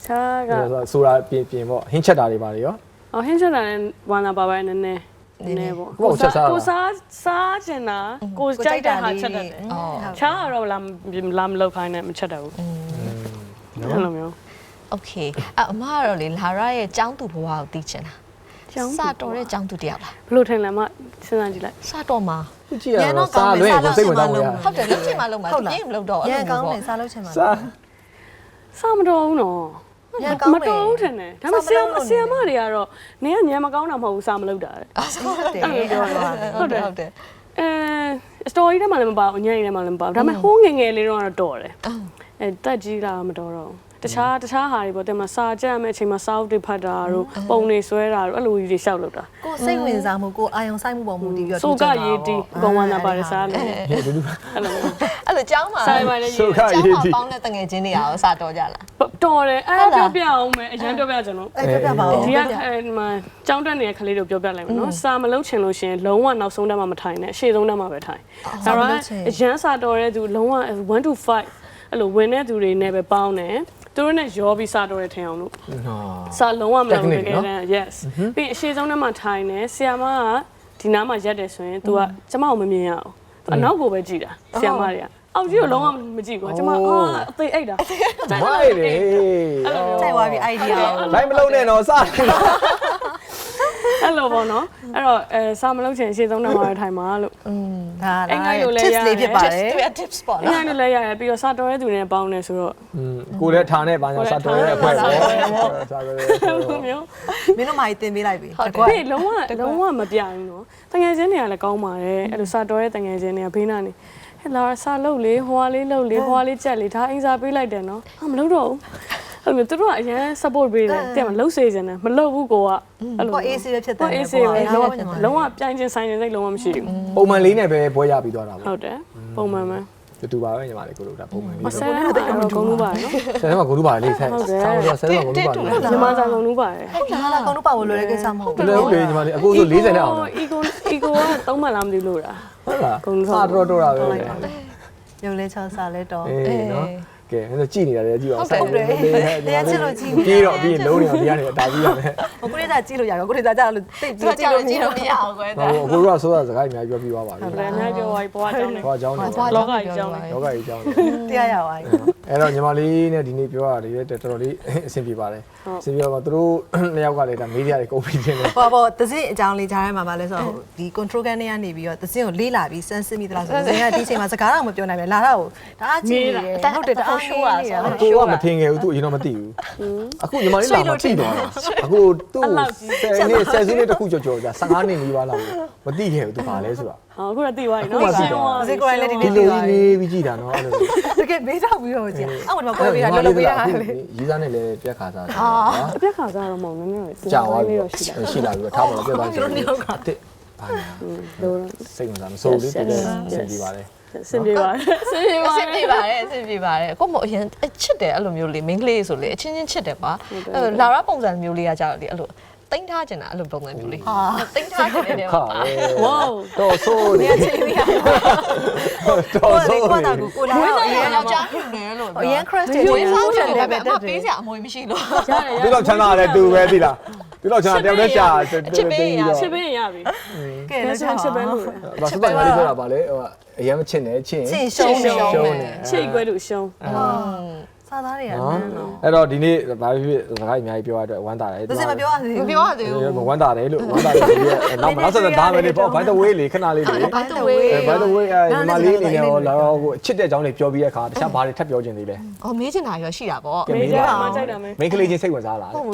Speaker 3: ခြားက
Speaker 1: ဆိုတာပြင်ပေါ့ဟင်းချက်တာတွေပါလေရော
Speaker 3: ဟင်းချက်တာနဲ့ဝါနာပါပါနည်းနည်းပေါ့ကိုစားချင်တာကိုကြိုက်တဲ့ဟာချက်တတ်တယ်ခြားကတော့လာမလောက်ခိုင်းနဲ့မချက်တတ်ဘူးအဲ့လိုမျိုး
Speaker 4: โอเคအမကတော့လေလာရရဲ့ចောင်းသူဘဝကိုသိချင်တာစတော်တဲ့ចောင်းသူတယောက်လား
Speaker 3: ဘလို့ထင်လဲမစဉ်းစားကြည့်လိုက်
Speaker 4: စတော်မှာ
Speaker 1: ကြည့်ရတော့စားလွဲကိုစိတ်ဝင်စားလို့
Speaker 4: ဟုတ်တယ်လုံးချင်မှလုံးမှာပြင်းမလုံးတော့
Speaker 2: ရန်ကောင်းတယ်စားလို့ချင်ပါ
Speaker 3: စားမတော်ဘူးနော်မတော်ဘူးထင်တယ်ဒါပေမဲ့ဆီယမ်မတွေကတော့နင်ကညံမကောင်းတာမဟုတ်ဘူးစားမလုပ်တာတဲ့
Speaker 2: ဟုတ်တယ်
Speaker 4: ဟုတ်တယ်
Speaker 3: စတိုရီထဲမှာလည်းမပါဘူးညံ့ထဲမှာလည်းမပါဘူးဒါပေမဲ့ဟိုးငယ်ငယ်လေးတော့တော်တယ်တက်ကြီးလာမတော်တော့တခြားဟာတွေပေါ့တဲ့မှာစာကြက်မဲ့အချိန်မှာစာအုပ်တွေဖတ်တာတို့ပုံတွေဆွဲတာတို့အဲ့လိုကြီးတွေရှောက်လုပ်တာ
Speaker 2: ကိုစိတ်ဝင်စားမှုကိုအာယုံဆိုင်မှုပေါ်မူတည်ပြီးတော့
Speaker 3: ဆိုကရေးတီပုံဝါနာပါတယ်စားလို့
Speaker 1: ဟဲ့ဒီလို
Speaker 3: အဲ့လို
Speaker 4: အဲ့လိုចောင်းမှာ
Speaker 3: ဆိုင်ပါလေရေး
Speaker 1: ဆိုခါ
Speaker 4: ចောင်း
Speaker 1: ရေး
Speaker 4: မှာ
Speaker 1: တီ
Speaker 4: ပေါင်းတဲ့တငယ်ချင်းတွေရောစတော်ကြလား
Speaker 3: တော်တယ်အဲ့ပြောပြအောင်မယ်အရင်ပြောပြကြလို့
Speaker 2: အဲ့ပြပါဦး
Speaker 3: ဒီကမှာကျောင်းတက်နေတဲ့ကလေးတို့ပြောပြလိုက်မယ်နော်စာမလုံးချင်လို့ရှင်လုံးဝနောက်ဆုံးတက်မှမထိုင်နဲ့အရှေ့ဆုံးတက်မှပဲထိုင်ဒါတော့အရန်စာတော်တဲ့သူလုံးဝ1 to 5အဲ့လိုဝင်တဲ့သူတွေနဲ့ပဲပေါင်းတယ်သူတို့နဲ့ရောပြီးစာတော်ရထင်အောင်လို့စာလုံးဝမလုပ်တကယ်တမ်း yes ပြီးအရှိဆုံးထဲမှာထိုင်နေဆီယာမကဒီနားမှာရက်တယ်ဆိုရင် तू ကကျမကိုမမြင်ရအောင်အနောက်ကိုပဲကြည့်တာဆီယာမတွေကအောက်ကြီးကိုလုံးဝမကြည့်ဘူးကျမအသေးအိတ်တာ
Speaker 1: မိုက်တယ်
Speaker 2: ကြိုက်သွားပြီ idea
Speaker 1: လိုက်မလုံးနဲ့တော့စတယ်
Speaker 3: အဲ့လိုပေါ့နော်အဲ့တော့စာမလုံးချင်အရှိဆုံးထဲမှာထိုင်ပါလို့
Speaker 2: ဒါ
Speaker 3: အဲ့
Speaker 2: လား
Speaker 3: ငါ့လိုလဲ
Speaker 2: tips လေးဖြစ်ပါတယ်
Speaker 4: သူရ tips ပေါ့
Speaker 3: အဲ့
Speaker 4: နော်
Speaker 3: ငါ့လိုလဲရတယ်ပြီးတော့စာတော်တဲ့သူတွေနဲ့ပေါင်းနေဆိုတော့
Speaker 1: ကိုလည်းထားနဲ့ပါညာစတော်ရဲ့အဖွဲပေါ့စားကြတယ်
Speaker 3: လိုမျိုး
Speaker 2: မင်းတို့မာကြီးတင်ပေးလိုက်ပြီ
Speaker 3: ပြီးလုံးဝမပြိုင်ဘူးနော်တငယ်ချင်းတွေကလည်းကောင်းပါတယ်အဲ့လိုစာတော်တဲ့တငယ်ချင်းတွေကဘေးနာနေဟဲ့လာစာလုပ်လေဟွာလေးလုပ်လေဟွာလေးကြက်လေဒါအင်စာပေးလိုက်တယ်နော်မလုပ်တော့ဘူးအဲ့လိုသူတို့ကအရင် support ပေးတယ်တဲ့မလုပ်စေချင်တယ်မလုပ်ဘူးကိုကအဲ့လို
Speaker 2: ကို AC ပဲဖြစ်တယ်
Speaker 3: AC ပဲလုံးဝပြိုင်ချင်းဆိုင်ချင်းစိတ်လုံးဝမရှိဘူး
Speaker 1: ပုံမှန်လေးနဲ့ပဲပွဲရပြီးသွားတာပေါ့
Speaker 3: ဟုတ်တယ်ပုံမှန်ပဲ
Speaker 1: တူပါပဲညီမလေးကိုတို့ဒါပုံမှန်လေး
Speaker 3: မဆဲတော့ဂုံလို့ပါနော်
Speaker 1: ဆယ်ထဲမှာကိုတို့ပါလေဆက်ဆောင်းတော့ဆယ်ထဲမှာကိုတို့ပါလေ
Speaker 3: ညီမစားဂုံလို့ပါတယ်
Speaker 2: ဟုတ်လားကောင်းတော့ပါလို့လွယ်တဲ့ကိစ္စမဟုတ်
Speaker 1: ဘယ်လိုလဲညီမလေးအခုဆို40နဲ့အောင်
Speaker 3: ego ကသုံးမှလားမသိလို့လား
Speaker 1: ဟုတ်လားစားတော့တော့တာပဲ
Speaker 2: ရုပ်လဲချောစားလဲတော့
Speaker 1: အေးနော်ကဲအဲ့ဒါကြည်နေတာလေကြည်အောင်
Speaker 2: ဟုတ်တယ်တရားချစ်လို့ကြည်
Speaker 1: ပြီးတော့ပြီးရင်လုံးနေအောင်ဒီကနေအတားပြီးရမယ်
Speaker 2: ဟိုကိုရီးယားကြည့်လို့ရရောကိုရီးယားကြလို့တိတ်
Speaker 4: သူကကြောက်ကြည့်လို့မရအောင်ကွယ်
Speaker 1: ဟိုအခုတို့ကဆိုတာစကားအများကြီးပြောပြီးသွားပါပြီ
Speaker 3: ဘယ်အများပြောဘွားကြောင်းနေ
Speaker 1: ဟောအကြောင်းတွေ
Speaker 3: လောကကြီးကြောင်းနေ
Speaker 1: ယောဂကြီးအကြောင်းတွေ
Speaker 2: တရားရပါပြီ
Speaker 1: အဲ့တော့ညီမလေးနဲ့ဒီနေ့ပြောရတယ်တော်တော်လေးအဆင်ပြေပါတယ်အဆင်ပြေတော့သူတို့နှစ်ယောက်ကလည်းဒါမေးရတွေကုန်ပြီးတင်တယ်
Speaker 2: ဟောပေါ့သစင်းအကြောင်းလေးကြားထဲမှာပါလဲဆိုတော့ဒီ control ကန်ထဲကနေပြီးတော့သစင်းကိုလေးလာပြီးစမ်းစစ်မိသလားဆိုတော့သစင်းကဒီအချိန်မှာစကားတော့မပြောနိုင်ပဲလာတော့ဒါအကြည့်နေတယ်ဟုတ်တယ်တအားရှိုးရဆို
Speaker 1: ကိုကမထင်ခဲ့ဘူးသူအရင်တော့မသိဘူးအခုညီမလေးလာမှသိတော့အခုသူ့10နှစ်10စုနှစ်တခုကြော်ကြော်ကြာ15နှစ်နီးပါးလောက်မသိခဲ့ဘူးသူဘာလဲဆိုတာ
Speaker 3: ဟောအခုတော့သိသွားပြီနော်
Speaker 2: သစင်းကိုလည်းဒီနေ့
Speaker 1: ဒီ
Speaker 2: သိ
Speaker 1: လို
Speaker 2: သွား
Speaker 1: ကြီး
Speaker 2: ပြီ
Speaker 1: နေပြီးကြည်တာနော်အဲ့လို
Speaker 2: တကယ်မေးတော့ပြီးတော့ကြည့်အော်ဒီမှာပွဲပေးတာလောလောပေးတာလေ
Speaker 1: ရေးစားနဲ့လည်းပြက်ခါစားတယ်
Speaker 3: အပြက်ခါစားတော့မဟုတ်ဘူးနည်းနည်း
Speaker 1: ကြာသွားပြီ
Speaker 3: တော့ရှိတာ
Speaker 1: ရှိလာပြီထားပါတော့ပြက်သွားတယ်တစ်ဘာညာ
Speaker 3: လို့
Speaker 1: စိတ်ဝင်စားမစိုးလေးတကယ်ဆင်ပြေပါတယ်
Speaker 3: စင်ပြေပါတယ်စင်ပြေပါ
Speaker 4: အဆင်ပြေပါတယ်အဆင်ပြေပါတယ်ကိုမအရင်ချစ်တယ်အဲ့လိုမျိုးလေး main ကလေးဆိုလေအချင်းချင်းချစ်တယ်ကွာလာရပုံစံမျိုးလေးကကြောက်လေအဲ့လိုတိမ့်ထားကျင်တာအဲ့လိုပုံစံမျိုးလေးတိမ့်ထားကျင်တယ်
Speaker 1: ခါ
Speaker 3: ဝေါ
Speaker 1: တော့ဆိုးနေ
Speaker 2: ချိန်ပြီးရ
Speaker 1: တော့ဆိုး
Speaker 2: ကို
Speaker 1: နေ
Speaker 2: တာကိုကိုလာတော့အရင်
Speaker 4: ယောက်ျားဖြစ်တယ်လို့
Speaker 2: အရင် crush တယ်
Speaker 4: ဝင်းစားတယ်
Speaker 2: တယ်
Speaker 4: ပဲ
Speaker 2: ပဲ
Speaker 4: အမပေးစရာအမွေမရှိလို့
Speaker 3: ရတယ်
Speaker 1: ဒီတော့ချမ်းသာတယ်သူပဲသိလားဒီတော့ချမ်းသာတယောက်တည်းရှာ
Speaker 3: ချစ်ပေးရပြီ
Speaker 2: ကဲတော့
Speaker 3: ချစ်ပေးလို့
Speaker 1: ဘာစပိုင်မလေးပြောတာဗာလေဟိုအရင်မချစ်နဲ့ချစ်
Speaker 2: ချင်းရှုံးနေ
Speaker 1: ရှုံးနေ
Speaker 3: ချစ်ခွဲလို့ရှုံး
Speaker 2: စားသားတွေက
Speaker 1: နော်အဲ့တော့ဒီနေ့ဘာဖြစ်ဖြစ်စကားအများကြီးပြောရတဲ့ဝမ်းသာတယ်
Speaker 2: သစင်းမပြောရသေး
Speaker 4: မ
Speaker 2: ဘူး
Speaker 4: ပြောရသေးဘူး
Speaker 1: ဝမ်းသာတယ်လို့ဝမ်းသာတယ်ဒီနောက်ဆက်ဒါပဲလေပေါ့ by the way လေခဏလေးလေ
Speaker 2: by the way
Speaker 1: by the way ညီမလေးအနေနဲ့ဟောလာတော့ကိုချစ်တဲ့အကြောင်းတွေပြောပြီးတဲ့အခါတခြားဘာတွေထပ်ပြောချင်သေးလဲ
Speaker 4: အော်မေးချင်တာရောရှိတာပေါ့
Speaker 3: မေးကြမှာကြိုက်တာမင်း
Speaker 1: မိန်းကလေးချင်းစိတ်ဝင်စားလား
Speaker 4: အ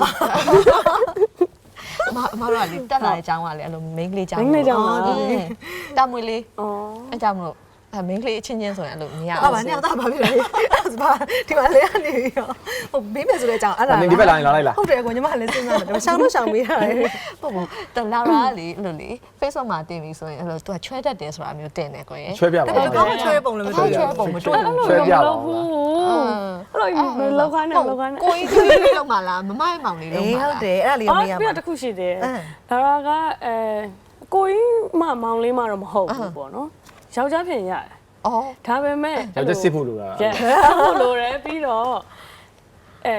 Speaker 4: မတို့ကလေတက်လာတဲ့အကြောင်းကလေအဲ့လို main ကလေးကြောင်းတာမွေလေး
Speaker 3: อ๋อ
Speaker 4: အဲ့ကြောင့်မလို့မင်းကလေးအချင်းချင်းဆိုရင်အဲ့လိုမရ
Speaker 2: ဟာဗာနဲ့တော့ဗာဖြစ်လဲဗာဒီမှာလဲကနေပြီးတော့ဟိုဘေးမယ်ဆိုတဲ့အကြောင်းအဲ့ဒါ
Speaker 1: နင်ဒီဘက်လာရင်လာလိုက်လား
Speaker 2: ဟုတ်တယ်ကိုညီမလည်းစဉ်းစားတယ်ရှောင်းလို့ရှောင်းပေးရတယ်
Speaker 4: ဟုတ်ဘူးတလာရာလေအဲ့လိုလေ Facebook မှာတင်ပြီဆိုရင်အဲ့လိုသူကချွဲတတ်တယ်ဆိုတာမျိုးတင်တယ်ကိုရင်
Speaker 1: ချွဲပြပါ
Speaker 2: ဒါပေမဲ့ကောင်းချွဲပုံလည်းမတွေ့
Speaker 4: ချွဲပုံမတွေ့ဘူး
Speaker 1: ချွဲပြပါ
Speaker 3: အဲ့လိုလောက်ခိုင်းနေလောက်ခိုင်းနေ
Speaker 4: ကိုကြီးကလေးလောက်မှလားမမရဲ့မောင်လေးလောက်
Speaker 2: အေး
Speaker 4: မှ
Speaker 2: ဟုတ်တယ်အဲ့ဒါလေး
Speaker 3: အော်
Speaker 2: မေးရ
Speaker 3: ပြ
Speaker 2: မှာ
Speaker 3: တခုရှိတယ်ဒါကကိုကြီးမောင်လေးမတော့မဟုတ်ဘူးပေါ့နော်ယောက်ျားဖြစ်ရတယ်
Speaker 4: အော်
Speaker 3: ဒါပေမဲ့
Speaker 1: ယောက်ျားစစ်ဖို့လိုတာ
Speaker 3: ဟုတ်လို့ရတယ်ပြီးတော့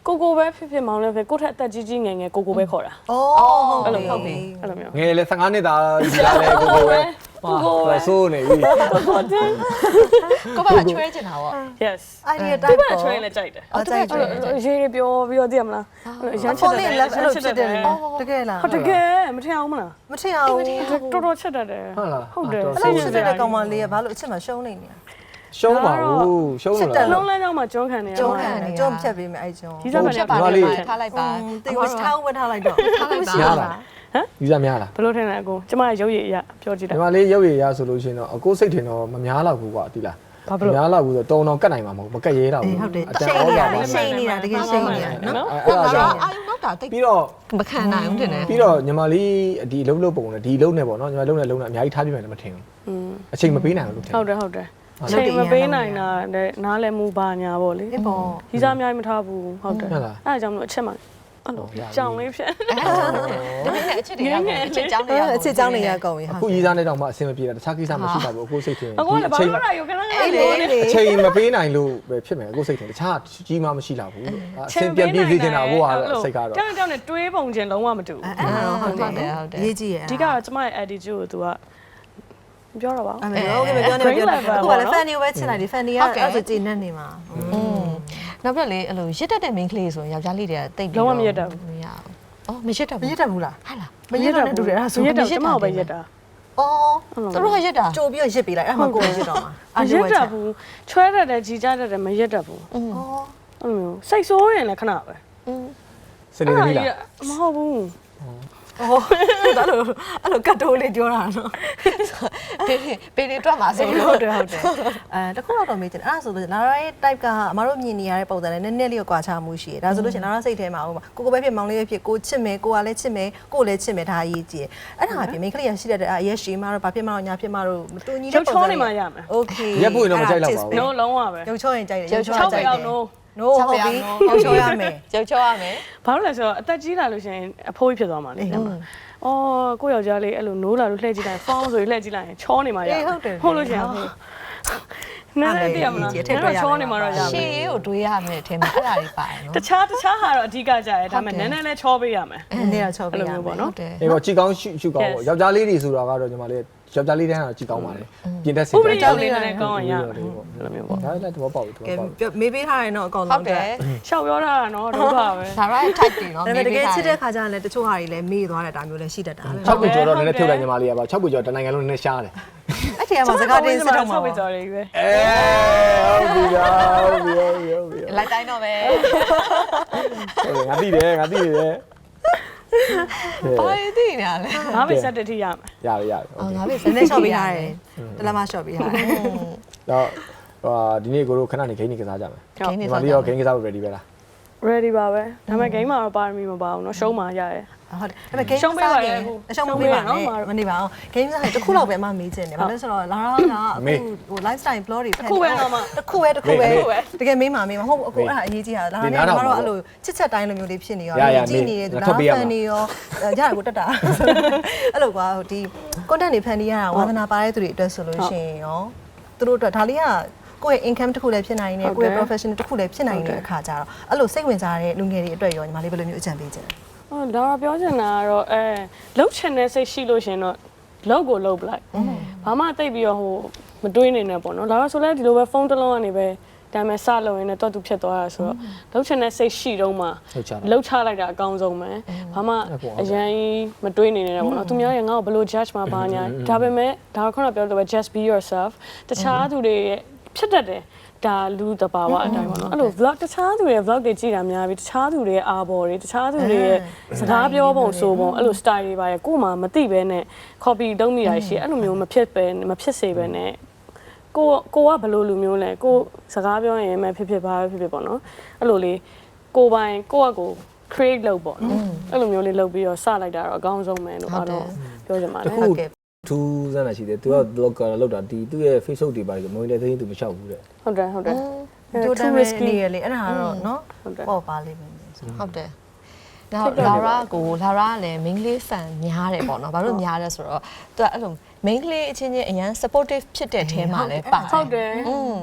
Speaker 3: ကိုပဲဖြစ်မောင်လည်းဖြစ်ကိုထက်အသက်ကြီးငယ်ကိုပဲခေါ်တာ
Speaker 2: အော်ဟုတ်ပြီဟုတ်ပြီ
Speaker 3: အဲ့လိုမျိုး
Speaker 1: ငယ်လေ15နှစ်သားဒီလားလေကိုပဲဟာဆိုးနေပြီ
Speaker 4: ကိုပါချွဲချင်တာပေါ့
Speaker 3: yes
Speaker 2: idea
Speaker 3: ဒီ
Speaker 2: type
Speaker 3: မှာ train လည်းကြိုက်တယ်
Speaker 2: အော်ကြိုက်တယ်
Speaker 3: ရေးပြောပြီးတော့သိရမလားရမ်းချစ်တယ်
Speaker 2: လက်အဲ့လိုဖြစ်တယ်တကယ်လား
Speaker 3: ဟုတ်တကယ်မထင်အောင်မလား
Speaker 2: မထင်အောင်
Speaker 3: တော်တော်ချစ်တတ်တယ်
Speaker 1: ဟုတ်လား
Speaker 3: ဟုတ်တယ်
Speaker 2: အဲ့လိုဖြစ်တဲ့ကောင်မလေးကဘာလို့အချက်မှရှုံးနေနေ
Speaker 1: ရှုံးပါဘူးရှုံးလို့လား
Speaker 3: လုံးလမ်းကြောင်းမှာကျွန်းခံနေရ
Speaker 2: ကျုံးခံနေကျုံးဖြတ်ပေးမယ်အဲ့ကျုံး
Speaker 3: ဒီစားမ
Speaker 4: ဖြ
Speaker 3: လေး
Speaker 4: တ်ပါလေထားလိုက်ပါ
Speaker 2: တေဝထားဝတ်ထားလိုက်တော့
Speaker 4: ထားလိုက်ပါ
Speaker 1: များလားယူစားများလား
Speaker 3: ဘယ်လိုထင်လဲအကိုကျမရဲ့ရုပ်ရည်အရပြောကြည့်တာ
Speaker 1: ဒီမှာလေးရုပ်ရည်ရဆိုလို့ရှိရင်တော့အကိုစိတ်ထင်တော့မများတော့ဘူးကွာဒီလားများတော့ဘူးဆိုတုံတော့ကတ်နိုင်မှာမဟုတ်မကတ်ရဲတော့ဘူး
Speaker 2: ဟုတ်တယ်
Speaker 1: အတန်
Speaker 2: ရှိ
Speaker 1: ဩ
Speaker 2: နေတာ
Speaker 1: ပါပါ
Speaker 2: ရှိနေတာတကယ်ရှိနေတာနော်
Speaker 1: အဲ့ဒါ
Speaker 4: လာ
Speaker 1: ကြောင့်
Speaker 4: အာယုံနောက်တာတိတ်
Speaker 1: ပြီးတော့
Speaker 4: မခံနိုင်ဘူးတင်တယ်
Speaker 1: ပြီးတော့ညီမလေးဒီလုံးလုံးပုံနဲ့ဒီလုံးနဲ့ပေါ့နော်ညီမလုံးနဲ့လုံးနဲ့အများကြီးထားပြမယ်လည်းမထင်ဘူးအချိန်မပေးနိုင်ဘူးလို့ထင်
Speaker 3: ဟုတ်တယ်ချိန်မပေးနိုင်တာနဲ့နားလည်းမူပါညာပေါ့လေ
Speaker 2: ဒီပေါ်
Speaker 3: ကြီးစားအများကြီးမထားဘူးဟုတ်တယ်အဲ့ဒါကြောင့်မလို့အချက်မှအဲ့လိုကြောင်လေးဖြစ်
Speaker 4: တမင်းနဲ့အချစ်တွေရမယ်အချစ်ကြောင်းတွေရ
Speaker 2: အချစ်เจ้าနေရကုန်ပြီ
Speaker 1: အခုရေးစားနေတော့မှအဆင်မပြေတာတခြားကိစ္စမရှိပါဘူးအခုစိတ်ထင်
Speaker 3: အကိုလည်းဘာလို့ရရောခဏလေး
Speaker 2: အေးလေလေ
Speaker 1: အချိန်မပေးနိုင်လို့ပဲဖြစ်မယ်အခုစိတ်ထင်တခြားကြီးမှမရှိလာဘူးလို့အဆင်ပြန်ပြေးစေချင်တာကိုကတော့စိတ်ကတော့
Speaker 3: တောင်းနဲ့တွေးပုံချင်းလုံးဝမတူဘူး
Speaker 2: အဲ့ဒါတော့ဟုတ်တယ်ရေးကြည့်ရ
Speaker 3: အဓိကတော့ကျမရဲ့ attitude ကို तू ကပြောတော့ပါ
Speaker 2: အဲ့ဒါဟုတ်ကဲ့မပြောနဲ့ပြောနဲ့အခုကလည်း fan တွေပဲချစ်လိုက်ဒီ fan တွေကအဲ့ဒါကြည်နေနေမှာ
Speaker 4: နောက်ပြလေအဲ့လိုရစ်တက်တဲ့ main ကလေးဆိုရင်ယောက်ျားလေးတွေကတိတ်ပြီးမရဘူးအော်မရတတ်
Speaker 2: မ
Speaker 4: ဘူး
Speaker 2: ရတတ်ဘူးလား
Speaker 4: ဟာလား
Speaker 2: မရတော့နဲ့တူတယ်အဲ့ဒါဆို
Speaker 3: ရတော့ကျမကိုပဲရက်တာ
Speaker 2: အော်
Speaker 4: သူတို့ကရစ်တာ
Speaker 2: ကြိုပြီးရစ်ပေးလိုက်အဲ့မှာကိုယ်ရစ်တော့မှာ
Speaker 3: မရက်တတ်ဘူးချွဲတတ်တယ်ကြီးကြတတ်တယ်မရက်တတ်ဘူး
Speaker 2: အော်
Speaker 3: အဲ့လိုမျိုးစိတ်ဆိုးရင်လည်းခဏပဲ
Speaker 1: စနေနေ့လား
Speaker 3: မဟုတ်ဘူး
Speaker 2: အော်အဲ့လိုကတ်တိုးလေးပြောတာနော်
Speaker 4: ပေတွေတွက်မှာဆို
Speaker 2: ဟု
Speaker 4: လို့
Speaker 2: တ်တယ်ဟုတ်တယ်တခုတော့မေးချင်တယ်အဲ့ဒါဆိုလို့လာရာရဲ့ type ကအမတို့မြင်နေရတဲ့ပုံစံနဲ့နည်းနည်းလေးကွာခြားမှုရှိတယ်ဒါဆိုလို့ရှိရင်လာရာစိတ်ထဲမှာဟိုကိုပဲဖြစ်မောင်လေးပဲဖြစ်ကိုချစ်မယ်ကိုကလည်းချစ်မယ်ကိုလည်းချစ်မယ်ဒါအရေးကြီးတယ်အဲ့ဒါအပြင်မိန်းကလေးရရှိတဲ့အရက်ရှိမှတော့ဘာဖြစ်မှတော့ညာဖြစ်မှတော့မတူညီတဲ့ပုံစံ
Speaker 3: ချောနေမှရမယ်
Speaker 2: Okay
Speaker 1: ရက်ပွင့်တော့မကြိုက်တော့ပါဘူး
Speaker 3: no လုံးဝပဲ
Speaker 2: ရုပ်ချောရင်ကြိုက်တယ်
Speaker 3: 6ပဲအောင် no
Speaker 2: no ဟုတ်ပြီရုပ်ချောရမယ်
Speaker 4: ကြောက်ချောရမယ်
Speaker 3: ဘာလို့လဲဆိုတော့အသက်ကြီးလာလို့ရှိရင်အဖိုးကြီးဖြစ်သွားမှာလေအော်ကိုယောက်ျားလေးအဲ့လိုနိုးလာလို့လှည့်ကြည့်လိုက်ဖောင်းဆိုလှည့်ကြည့်လိုက်ရင်ချောနေမှရဟုတ်လို့ရှိရင်နားလည်းတည်ရမလားချောနေမှတော့ရမယ်
Speaker 4: ရှေ့ရေးကိုတွေးရမယ်အထင်မှာအဲ့ဒါတွေပါတယ်နော်
Speaker 3: တခြားဟာတော့အဓိကကြရဲဒါပေမဲ့နည်းနည်းလေးချောပေးရမယ်
Speaker 2: နေတော့ချောပေးရမယ်
Speaker 3: ပေါ့နော်
Speaker 4: တယ်
Speaker 1: အေးပေါ့ကြည်ကောင်းရှုကောင်းပေါ့ယောက်ျားလေးတွေဆိုတာကတော့ညီမလေးယောက်ျားလေးတန်းကတော့ကြည်ကောင်းပါလေပြင်သက်စေ
Speaker 3: ဥပဒေကြောင့်လေးနဲ့ကောင်းရရမယ်
Speaker 1: အဲ့လိုမျိုးပေါ့ဒါလည်းသဘောပေါက်ပြီသဘော
Speaker 2: ကဲ
Speaker 1: ပေါက်ပြီ
Speaker 2: မေးပေးထားရင်တော့အကောင်
Speaker 4: ဟု
Speaker 2: လုံး
Speaker 4: တ်တယ်
Speaker 3: ရှောက်ပြောတာနော်ဒုက္ခပဲ
Speaker 4: ဒါ right type တွေနော်
Speaker 2: ဒါပေမဲ့တကယ်ချစ်တဲ့ခါကျရင်လည်းတချို့ဟာတွေလည်းမေးသွားတဲ့တာမျိုးလည်းရှိတတ်တာပဲ
Speaker 1: 6ခုကျော်တော့နည်းနည်းဖြုတ်လိုက်ညီမလေးကပါ6ခုကျော်တနိုင်ငံလုံးနည်းနည်းရှားတယ်
Speaker 2: အဲ့ဒီမှာစကားတင်းစစ်တော့မှာ
Speaker 3: ဆောက်ပြီးကြော်လေးပဲ
Speaker 1: ဟုတ်ပြီဟုတ်ပြီ
Speaker 4: လိုက်တိုင်းတော့ပဲ
Speaker 1: ငါသိတယ်ငါသိတယ်
Speaker 4: ဘာတွေသိနေရလဲ
Speaker 3: ငါပဲဆက်တက်ထိရမယ်
Speaker 1: ရပြီ
Speaker 4: အော်ငါပဲ
Speaker 2: နည်းနည်းရှော့ပေးထားတယ်တလမရှော့ပေးထားတယ်
Speaker 1: တော့ဒီနေ့ကိုတို့ခဏနေဂိမ်းနေကစားကြမယ်
Speaker 4: ခင်းနေ
Speaker 1: ညီမ
Speaker 4: စား
Speaker 1: လေးရောဂိမ်းကစားဖို့ ready ပဲလား
Speaker 3: ready ပါပဲဒါပေမဲ့ game မှာတော့ပါရမီမပါဘူးเนาะရှုံးမှာရတယ်
Speaker 2: ဟုတ်တယ်ဒါပေမဲ့ game ရှုံးပေးပါနဲ့ရှုံးပေးပါနဲ့မနေပါအောင် game စားရင်တစ်ခုလောက်ပဲအမမေးချင်တယ်ဘာလို့ဆိုတော့လာတော့ကအခုဟို lifestyle blog တွေဖန်တစ်ခုပဲတကယ်မေးမှာမေးမှာဟုတ်အခုအဲ့ဒါအရေးကြီးတာလာတော့ကတော့အဲ့လိုချစ်ချက်တိုင်းလိုမျိုးလေးဖြစ်နေရောကြည့်နေတဲ့သူလားဖန်နေရောရတယ်ကိုတက်တာအဲ့လိုကွာဒီ content တွေဖန်နေရတာဝါသနာပါတဲ့သူတွေအတွက်ဆိုလို့ရှိရင်ရောသူတို့အတွက်ဒါလေးကကိုယ့်ရဲ့ income တစ်ခုလည်းဖြစ်နိုင်တယ်ကိုယ့်ရဲ့ professional တစ်ခုလည်းဖြစ်နိုင်တဲ့အခါကျတော့အဲ့လိုစိတ်ဝင်စားတဲ့လူငယ်တွေအတွက်ရောညီမလေးဘယ်လိုမျိုးအကြံပေးချင်လဲ
Speaker 3: ဟောဒါတော့ပြောချင်တာကတော့လှုပ်ချင်တဲ့စိတ်ရှိလို့ရှင်တော့လှုပ်ကိုလှုပ်ပလိုက်ဘာမှတိတ်ပြီးတော့ဟိုမတွေးနေနဲ့ပေါ့နော်ဒါတော့ဆိုလဲဒီလိုပဲဖုန်းတစ်လုံးကနေပဲဒါပေမဲ့စလုံးရင်းနဲ့တော့သူဖြစ်သွားတာဆိုတော့လှုပ်ချင်တဲ့စိတ်ရှိတော့မှလှုပ်ချလိုက်တာအကောင်းဆုံးပဲဘာမှအရင်မတွေးနေနဲ့ပေါ့နော်သူများရဲ့ငါ့ကိုဘယ်လို judge မှာပါညာဒါပေမဲ့ဒါခုနပြောလို့ပဲ just be yourself တခြားသူတွေဖြစ်တတ်တယ်ဒါလူတဘာဝအတိုင်းပေါ့နော်အဲ့လို vlog တခြားသူတွေရဲ့ vlog တွေကြည့်တာများပြီတခြားသူတွေရဲ့အာဘော်တွေတခြားသူတွေရဲ့စကားပြောပုံဆိုပုံအဲ့လို style တွေပါရဲ့ကို့မှာမသိပဲနဲ့ copy တုံးမိတာရှိအဲ့လိုမျိုးမဖြစ်စေပဲနဲ့ကိုကဘယ်လိုလူမျိုးလဲကိုစကားပြောရင်မှဖြစ်ပါဖြစ်ပေါ့နော်အဲ့လိုလေးကိုပိုင်ကိုကကို create လုပ်ပေါ့နော်အဲ့လိုမျိုးလေးလုပ်ပြီးတော့စလိုက်တာတော့အကောင်းဆုံးပဲလို့အားလုံးပြောချင်ပါတယ်ဟုတ်ကဲ့
Speaker 1: ထူးစမ်းတာရှိတယ်သူက blogger လောက်တာဒီသူ့ရဲ့ Facebook တွေပါတယ်မွေးတဲ့သိန်းသူမလျှောက်ဘူးတဲ့
Speaker 3: ဟုတ်တယ်
Speaker 2: တိုးတက်နေရလေအဲ့ဒါကတော့နော်ပေါ့ပါလိမ့်မယ်
Speaker 4: ဟုတ်တယ်နောက်လာရာကလည်း main လေး fan များတယ်ပေါ့နော်ဘာလို့များလဲဆိုတော့သူကအဲ့လို main လေးအချင်းချင်းအရန် supportive ဖြစ်တဲ့အဲမှာလည်းပါ
Speaker 3: ဟုတ်တယ်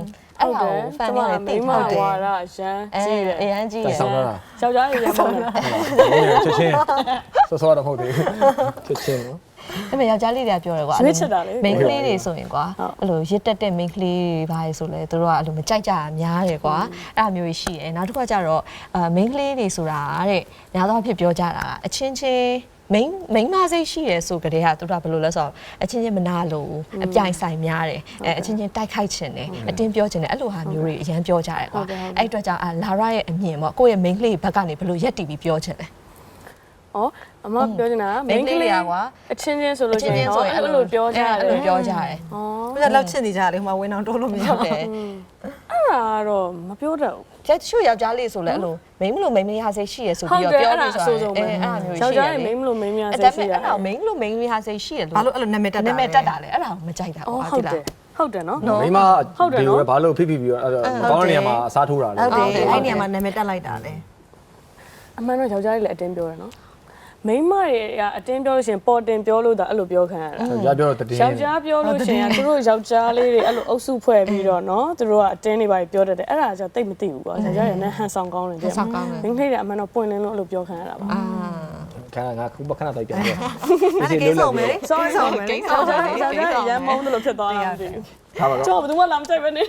Speaker 4: အဲ့ဒါကို fan တွေတိတ်ထားတယ်
Speaker 3: ဝါရရန်ကြီးတယ်
Speaker 4: အရန်ကြီး
Speaker 1: တို
Speaker 4: ရ
Speaker 1: င်ဆောင်လာတာ
Speaker 3: ယောက်ျားတွေရန်ပေါ့နော်
Speaker 1: ချက်ချင်းစောတော့မဟုတ်သေးဘူးချက်ချင်းနော်
Speaker 4: ဒါပေမဲ့ယောက်ျားလေးတွေကပြောတယ်ကွာ
Speaker 3: ရွေးချယ်တာလေ
Speaker 4: မိန်းကလေးတွေဆိုရင်ကွာအဲ့လိုရစ်တက်တဲ့မိန်းကလေးတွေဘာလဲဆိုလဲသူတို့ကအဲ့လိုမကြိုက်ကြတာများတယ်ကွာအဲ့လိုမျိုးရှိတယ်နောက်တစ်ခါကျတော့မိန်းကလေးတွေဆိုတာတဲ့ညာတော့ဖြစ်ပြောကြတာအချင်းချင်းမိန်းမစိတ်ရှိရဲဆိုကြတဲ့ဟာသူတို့ကဘယ်လိုလဲဆိုတော့အချင်းချင်းမနာလို့အပြိုင်ဆိုင်များတယ်အချင်းချင်းတိုက်ခိုက်ချင်တယ်အတင်းပြောချင်တယ်အဲ့လိုဟာမျိုးတွေအရန်ပြောကြတယ်ကွာအဲ့အတွက်ကြောင့်လာရရဲ့အမြင်ပေါ့ကိုယ့်ရဲ့မိန်းကလေးဘက်ကနေဘယ်လိုရက်တီပြီးပြောချင်လဲ
Speaker 3: ဩအမပြောနေတာ
Speaker 4: မိန်းကလေးကွာ
Speaker 3: အချင်းချင်းဆိုလို့ရှိရင်တော့အဲ့လိုပြောကြတယ်
Speaker 4: အဲ့လိုပြောကြတယ်
Speaker 3: ဩ
Speaker 2: ဘယ်လောက်ချစ်နေကြလဲဟိုမှာဝင်းအောင်တိုးလို့မရ
Speaker 4: ဟုတ်
Speaker 2: ဘူး
Speaker 4: တယ်
Speaker 3: အဲ့ဒါတော့မပြောတတ်ဘူး
Speaker 4: ကျချို့ယောက်ျားလေးဆိုလဲအဲ့လိုမိန်းမလို့မိန်းမရစိတ်ရှိရဆို
Speaker 3: ဟုတ်
Speaker 4: ပြီး
Speaker 3: တယ်
Speaker 4: တော့ပြော
Speaker 3: အဲ့ဒါ
Speaker 4: လို့
Speaker 3: အ
Speaker 4: ဆို
Speaker 3: ဆိုး
Speaker 4: တော့
Speaker 3: ဆုံးပဲ
Speaker 4: အဲ့လိုမျိုးရှိ
Speaker 3: ယောက်ျား
Speaker 4: တယ်
Speaker 3: တွေမိန်းမလို့မိန်းမရ
Speaker 4: အဲ့
Speaker 3: စိ
Speaker 4: ဒါ
Speaker 3: တ်ရှိ
Speaker 4: ပေ
Speaker 3: တာ
Speaker 4: မဲ့အဲ့ဒါမိန်းလို့မိန်းမရစိတ်ရှိရလို့
Speaker 2: ဘာလို့အဲ့လိုနာမည်တက်တာ
Speaker 4: နာမည်တက်တာလဲအဲ့ဒါကိုမကြိုက်တာ
Speaker 3: ဩ
Speaker 4: ကွာ
Speaker 3: ဟုတ်
Speaker 4: ဒီလား
Speaker 3: တယ်ဟုတ်တယ်နော်
Speaker 1: မိမဒီလိုပဲဘာလို့ဖိဖိပြီးတော့ကောင်းတဲ့နေရာမှာအစားထိုးတာလဲ
Speaker 2: ဟုတ်တယ်အဲ့ဒီနေရာမှာနာမည်တက်လိုက်တာလေ
Speaker 3: အမှန်တော့ယောက်ျားတွေလည်းအတင်းပြောတယ်နော်မိန်းမတွေကအတင်းပြောလို့ရှိရင်ပေါ်တင်ပြောလို့ဒါအဲ့လိုပြောခံရတာ
Speaker 1: ယောက်ျားပြောတော့တည်
Speaker 3: ယောက်ျားပြောလို့ရှိရင်သူတို့ယောက်ျားလေးတွေအဲ့လိုအုပ်စုဖွဲ့ပြီးတော့နော်သူတို့ကအတင်းတွေပါပြောတတ်တယ်အဲ့ဒါကြောင့်တိတ်မသိဘူးကွာယောက်ျားတွေနဲ့ဟန်ဆောင်ကောင်းတယ်တဲ့မိန်းကလေးတွေအမှန်တော့ပွင့်လင်းလို့အဲ့လိုပြောခံရတာပါ
Speaker 1: ခဏငါခုခဏတိုက်ပြန်ပြော
Speaker 2: အဲ့ဒါကိစ္စအောင်မယ်လေ
Speaker 3: sorry sorry
Speaker 4: ကိစ္စ
Speaker 3: ယောက်ျား
Speaker 4: ကိ
Speaker 3: တွေ
Speaker 4: စ္စ
Speaker 3: ယောက်ျားတွေရမ်းမုန်းတယ်လို့ဖြစ်သွားတာမသိဘူး
Speaker 1: ထားပါတော့
Speaker 3: ကျော်ဘယ်သူမှလာမကြိုက်ပဲနေ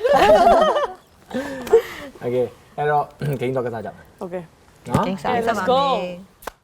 Speaker 1: โอเคအဲ့တော့ဂိမ်းတော့ကစားကြမယ်
Speaker 3: okay
Speaker 1: နော်
Speaker 4: ကိစ္စ
Speaker 3: let's go